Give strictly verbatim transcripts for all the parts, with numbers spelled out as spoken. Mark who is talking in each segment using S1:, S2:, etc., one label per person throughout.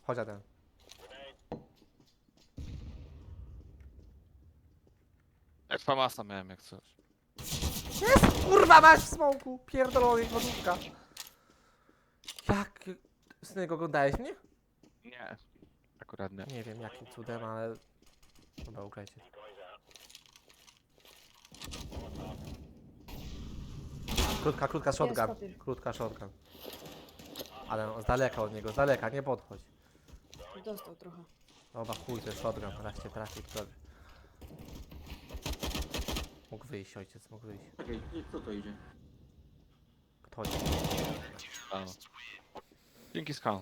S1: Chodź ten.
S2: Jak famasa miałem jak coś.
S1: Jest! Kurwa masz w smoku! Pierdolony wodówka. Jak... Synek, oglądałeś mnie?
S2: Nie. Akurat nie.
S1: Nie wiem jakim cudem, ale... Dobra, ugrajcie. Krótka, krótka shotgun.
S3: papier.
S1: Krótka shotgun. Ale z daleka od niego, z daleka, nie podchodź.
S3: Dostał trochę.
S1: Dobra, chuj, to jest shotgun, raz cię trafi, prawie. Mógł wyjść, ojciec, mógł wyjść.
S4: Czekaj, kto to idzie?
S1: Kto chodzi?
S2: A. Dzięki Skal.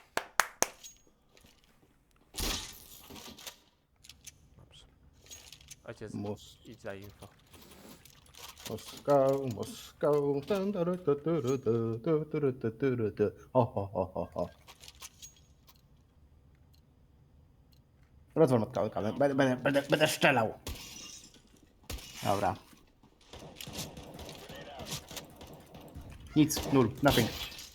S1: Dobrze. Ojciec,
S5: Mos
S1: idź za info.
S5: Moskał, Moskał. Tan, taru, tu, turu, tu, tu, turu, tu, turu, tu. Ho, ho, ho, ho, ho. Rozwal matkę, będę, będę, będę, będę strzelał. Dobra. Nic, nul, nothing.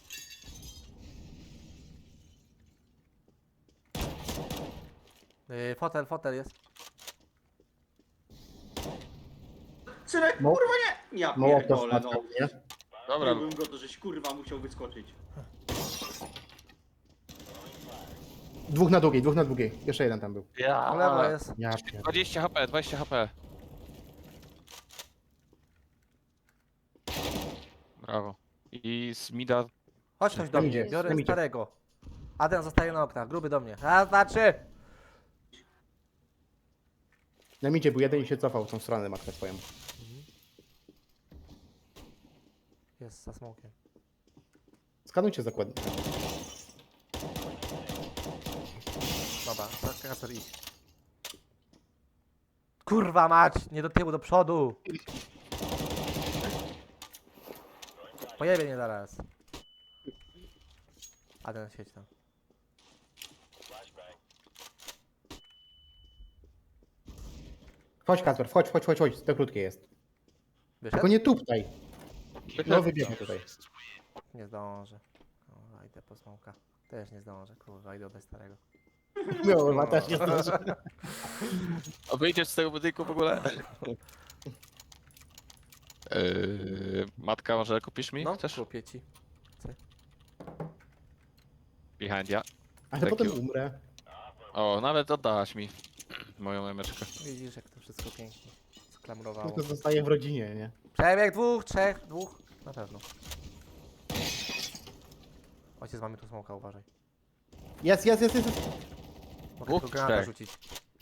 S1: Yy, fotel, fotel jest.
S4: Synek,
S5: Mo-
S4: kurwa nie! Ja
S5: Mołotow
S4: pierdolę, no.
S5: matka, nie?
S2: Dobra,
S4: Byłbym go to, żeś kurwa musiał wyskoczyć.
S5: Dwóch na długiej, dwóch na długiej. Jeszcze jeden tam był.
S2: ja.
S1: Po lewo jest.
S5: Ja pier...
S2: dwadzieścia HP, dwadzieścia HP. Brawo. I z mida.
S1: Chodź ktoś do
S5: Tam
S1: mnie,
S5: idzie,
S1: biorę
S5: tam idzie.
S1: starego. Adrian zostaje na oknach, gruby do mnie. Raz, dwa, trzy!
S5: Na midzie był jeden i się cofał w tą stronę matkę swoją.
S1: Jest za smokiem.
S5: Skanujcie zakładnie.
S1: Dobra, Kasper idź. Kurwa mać, nie do tyłu, do przodu. Pojebie mnie zaraz. Adrian, siedź tam.
S5: Chodź Kasper, chodź, chodź, chodź, chodź. To krótkie jest.
S1: Wyszedł?
S5: Tylko nie tutaj. No wybiegnie tutaj.
S1: Nie zdążę. Kurwa, idę po smoka. Też nie zdążę, kurwa, idę bez starego.
S5: No, ma też nie zdąży.
S2: A wyjdziesz z tego budynku w ogóle? Yy, matka, może kupisz mi?
S1: No,
S2: Chcesz?
S1: kupię ci.
S2: Behind ja.
S5: Ale
S2: Thank
S5: potem
S2: you.
S5: umrę.
S2: O, nawet oddałaś mi moją emeczkę.
S1: Widzisz, jak to wszystko pięknie
S5: No
S1: sklamurowało.
S5: to zostaje w rodzinie, nie?
S1: Przebieg dwóch, trzech, dwóch. Na pewno. Ojciec, mamy tu smoka, uważaj.
S5: Jest, jest, jest, jest.
S1: Mogę
S2: Dwóch,
S1: tylko granata
S2: trzech.
S1: rzucić.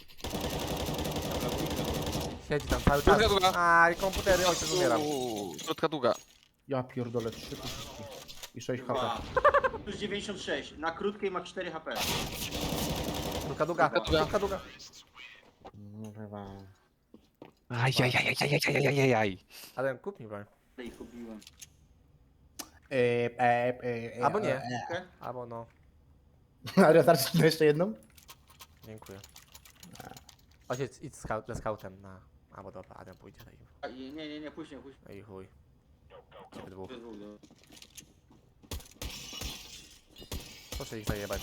S1: Siedzi tam cały
S2: Druga,
S1: czas.
S2: druga.
S1: A, i komputery, ojciec umieram.
S2: Uuu, krótka długa.
S5: Ja pierdolę, trzy kuszki. I sześć H P.
S4: Dwa. Plus dziewięćdziesiąt sześć. Na krótkiej ma cztery H P.
S1: Krótka długa,
S2: Krótka długa.
S1: krótka długa.
S2: Ajajajajajajajajajaj.
S1: Ale kup mi broń.
S4: I kupiłem.
S5: E, e, e, e,
S1: Albo nie.
S5: e, e.
S4: Okej?
S1: Albo no.
S5: Ale starczy na jeszcze jedną?
S1: Dziękuję. Ojciec, idź skau- ze scoutem na... Albo dobra, Adam pójdzie za info.
S4: A, Nie, nie, nie, później, później.
S1: No i chuj. Ciebie dwóch.
S4: Dwóch, no.
S1: Proszę ich zajebać.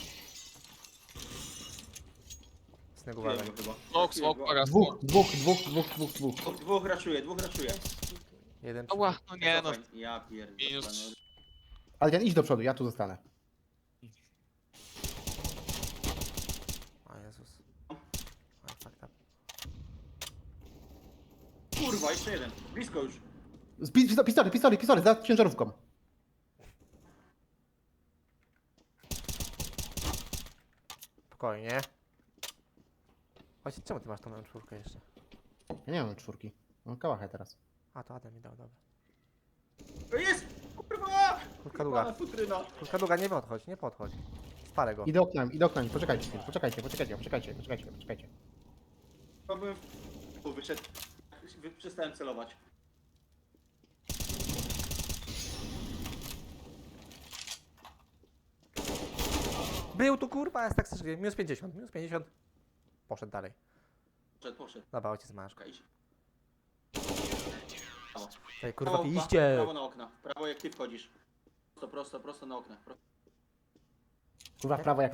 S1: Snegu uważaj.
S4: Kupiłem go chyba.
S2: Smok, smok, uwaga,
S5: Dwóch,
S2: smok.
S5: dwóch, dwóch, dwóch, dwóch, dwóch.
S4: Dwóch, dwóch raszuje, dwóch raszuje.
S1: Jeden
S2: Ała, no nie no.
S4: Cofaj. Ja pierdolę.
S2: Minus.
S5: Adrian, idź do przodu, ja tu zostanę.
S1: O Jezus. A, fuck up.
S4: Kurwa, jeszcze jeden. Blisko już.
S5: Z pi- pistolet, pistolet, pistolet, pistolet, za ciężarówką.
S1: Spokojnie. Ojciec, czemu ty masz tą M cztery jeszcze?
S5: Ja nie mam czwórki. Mam kałachę teraz.
S1: A, to Adam mi dał, dobra.
S4: To jest! Kurwa!
S1: Krótka długa.
S4: Pana futryna.
S1: Krótka długa, nie podchodź, nie podchodź. Spalę go.
S5: Idę oknami, idę oknami, poczekajcie chwilę, poczekajcie, poczekajcie, poczekajcie, poczekajcie, poczekajcie.
S4: Chyba byłem w... Tu wyszedł. Wy- Przestałem celować.
S1: Był tu kurwa, jest tak strasznie. Minus pięćdziesiąt, minus pięćdziesiąt. Poszedł dalej.
S4: Poszedł, poszedł.
S1: Dobra, ojciec masz.
S4: Okej, idź. Prawo.
S1: Tutaj kurwa,
S4: Prawo,
S1: iście.
S4: Prawo na okna. Prawo jak ty wchodzisz. Prosto, prosto, prosto na okna. Pro-
S5: Kurwa w prawo jak